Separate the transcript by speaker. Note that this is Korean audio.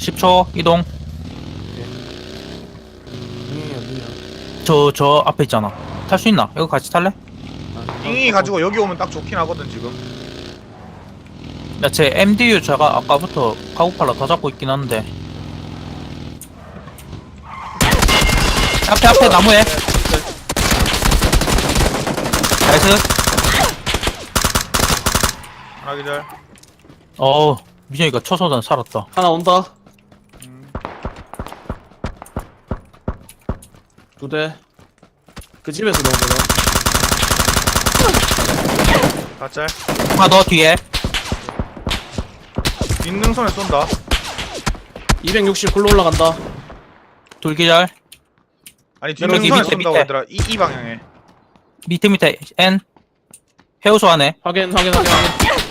Speaker 1: 10초 이동.
Speaker 2: 형이 어디냐?
Speaker 1: 저 앞에 있잖아. 탈 수 있나? 이거 같이 탈래?
Speaker 3: 잉이 가지고 여기 오면 딱 좋긴 하거든 지금.
Speaker 1: 야, 제 MDU 제가 아까부터 카고팔라 더 잡고 있긴 한데. 앞에 나무에. 나이스.
Speaker 3: 하나 기절.
Speaker 1: 민영이가 초소단 살았다.
Speaker 2: 하나 온다. 두 대. 그 집에서 넣은 거다.
Speaker 3: 가짤.
Speaker 1: 하나 더 뒤에.
Speaker 3: 뒷능선에 쏜다.
Speaker 2: 260 굴러 올라간다.
Speaker 1: 둘기절.
Speaker 3: 아니
Speaker 1: 여기
Speaker 3: 뒷능선에
Speaker 1: 밑에,
Speaker 3: 쏜다고
Speaker 1: 밑에.
Speaker 3: 얘들아. 이 방향에.
Speaker 1: 밑에 N. 해우소 안에.
Speaker 2: 확인.